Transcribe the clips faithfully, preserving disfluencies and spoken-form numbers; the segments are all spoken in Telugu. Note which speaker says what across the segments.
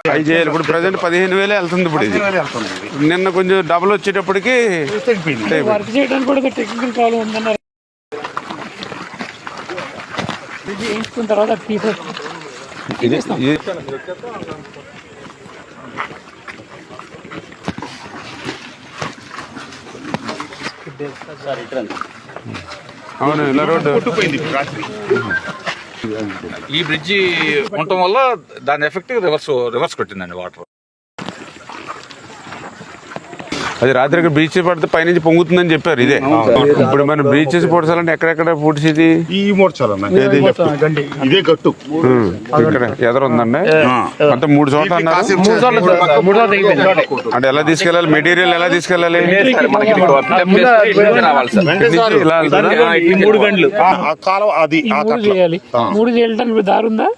Speaker 1: అవి చేయాలి. ఇప్పుడు ప్రజెంట్ పదిహేను వేలే వెళ్తుంది. ఇప్పుడు ఇది నిన్న కొంచెం డబుల్ వచ్చేటప్పటికి
Speaker 2: వర్క్ చేయడానికి కూడా టెక్నికల్ ప్రాబ్లం ఉందన్నారు. చేయించుకున్న తర్వాత
Speaker 1: అవును ఇలా రోడ్డు
Speaker 3: ఈ బ్రిడ్జి ఉండటం వల్ల దాని ఎఫెక్ట్ రివర్స్ రివర్స్ కొట్టిందండి వాటర్.
Speaker 1: అది రాత్రికి బీచ్ పడితే పైనుంచి పొంగుతుందని చెప్పారు. ఇదే ఇప్పుడు మనం బీచెస్ పొడచాలంటే ఎక్కడెక్కడ ఫుడ్స్ ఇది
Speaker 4: ఈ ఇదే గట్టు
Speaker 1: ఇక్కడ ఎదురుందండి మొత్తం మూడు చోట్ల అన్నారు. అంటే ఎలా తీసుకెళ్ళాలి, మెటీరియల్ ఎలా తీసుకెళ్ళాలి?
Speaker 2: మూడు గంటలు మూడు చేయడానికి దారి ఉందా?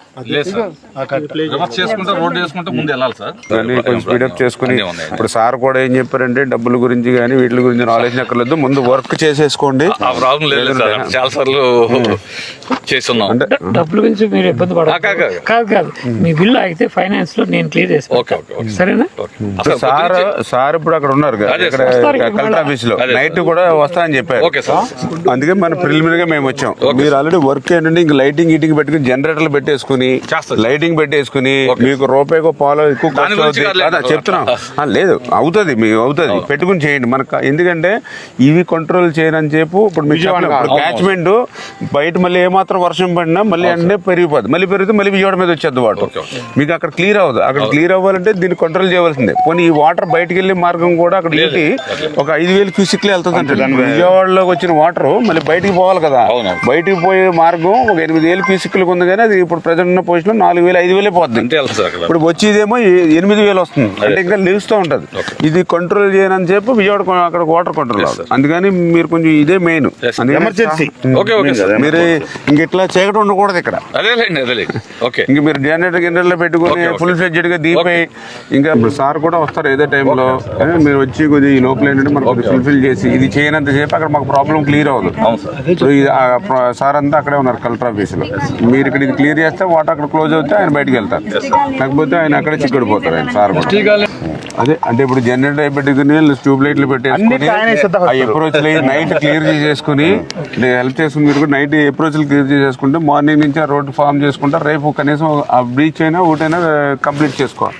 Speaker 2: కొంచెం స్పీడప్ చేసుకుని ఇప్పుడు సార్ కూడా ఏం చెప్పారంటే డబ్బుల గురించి కానీ వీటి గురించి నాలెడ్జ్ అక్కర్లేదు, ముందు వర్క్ చేసేసుకోండి.
Speaker 3: చాలా సార్లు చేస్తున్నాం.
Speaker 2: డబ్బుల గురించి మీరు ఇబ్బంది పడాలి కాదు కాదు మీ బిల్లు అయితే ఫైనాన్స్ లో నేను క్లియర్ చేస్తాను. సరేనా?
Speaker 1: సార్ సార్ ఇప్పుడు అక్కడ ఉన్నారు ఇక్కడ కలెక్టర్ ఆఫీస్ లో నైట్ కూడా వస్తా అని చెప్పారు. అందుకే మన ప్రిలిమినరీగా మేము వచ్చాం. మీరు ఆల్రెడీ వర్క్ ఏంటంటే ఇంక లైటింగ్ ఈటింగ్ పెట్టుకుని జనరేటర్లు పెట్టేసుకుని లైటింగ్ పెట్టేసుకుని మీకు రూపాయికో పాలో ఎక్కువ చెప్తున్నాం. లేదు అవుతుంది, మీకు అవుతుంది, పెట్టుకుని చేయండి. మనకు ఎందుకంటే ఇవి కంట్రోల్ చేయనని చెప్పు. ఇప్పుడు విజయవాడ క్యాచ్మెంట్ బయట మళ్ళీ ఏమాత్రం వర్షం పడినా మళ్ళీ అంటే పెరిగిపోతుంది. మళ్ళీ పెరిగితే మళ్ళీ విజయవాడ మీద వచ్చేది వాటర్. మీకు అక్కడ క్లియర్ అవ్వదు. అక్కడ క్లియర్ అవ్వాలంటే దీన్ని కంట్రోల్ చేయవలసిందే. పోనీ ఈ వాటర్ బయటకు వెళ్ళే మార్గం కూడా అక్కడ ఏంటి ఒక ఐదు వేలు క్యూసిక్లే వెళ్తుంది అంటే విజయవాడలోకి వచ్చిన వాటర్ మళ్ళీ బయటికి పోవాలి కదా. బయటికి పోయే మార్గం ఒక ఎనిమిది వేలు క్యూసిక్లకు ఉంది కానీ అది ఇప్పుడు ప్రజెంట్ ఉన్న పొజిషన్ లో నాలుగు వేలు ఐదు వేలే పోతుంది. ఇప్పుడు వచ్చేదేమో ఎనిమిది వేలు వస్తుంది అంటే ఇంకా నిలుస్తూ ఉంటది. ఇది కంట్రోల్ చేయనని చెప్పి విజయవాడ అక్కడ వాటర్ కంట్రోల్ అవ్వదు. అందుకని మీరు కొంచెం ఇదే మెయిన్ ఎమర్జెన్సీ. మీరు ఇంక ఇట్లా చీకటి ఉండకూడదు ఇక్కడ. ఇంక మీరు జనరేటర్ గిన్నెల్లో పెట్టుకుని ఫుల్ ఫ్లెడ్జెడ్ గా దీపై ఇంకా సార్ కూడా వస్తారు ఏదో టైంలో. మీరు వచ్చి కొద్దిగా ఈ లోపల ఏంటంటే మనకు ఫుల్ఫిల్ చేసి ఇది చేయనంత సేపు అక్కడ మాకు ప్రాబ్లం క్లియర్ అవ్వదు. ఇప్పుడు సార్ అంతా అక్కడే ఉన్నారు కలెక్టర్ ఆఫీస్ లో. మీరు ఇక్కడ ఇది క్లియర్ చేస్తే వాటర్ అక్కడ క్లోజ్ అవుతే ఆయన బయటకు వెళ్తారు, లేకపోతే ఆయన అక్కడే చిక్కడిపోతారు ఆయన సార్ కూడా. అదే అంటే ఇప్పుడు జనరేటర్ పెట్టుకుని ట్యూబ్ లైట్లు పెట్టేసుకుని ఆ అప్రోచ్ నైట్ క్లియర్ చేసేసుకుని హెల్ప్ చేసుకుని మీరు కూడా నైట్ అప్రోచ్ క్లియర్ చేసేసుకుంటే మార్నింగ్ నుంచి ఆ రోడ్డు ఫామ్ చేసుకుంటే రేపు కనీసం ఆ బ్రీచ్ అయినా ఒకటైనా కంప్లీట్ చేసుకోవాలి.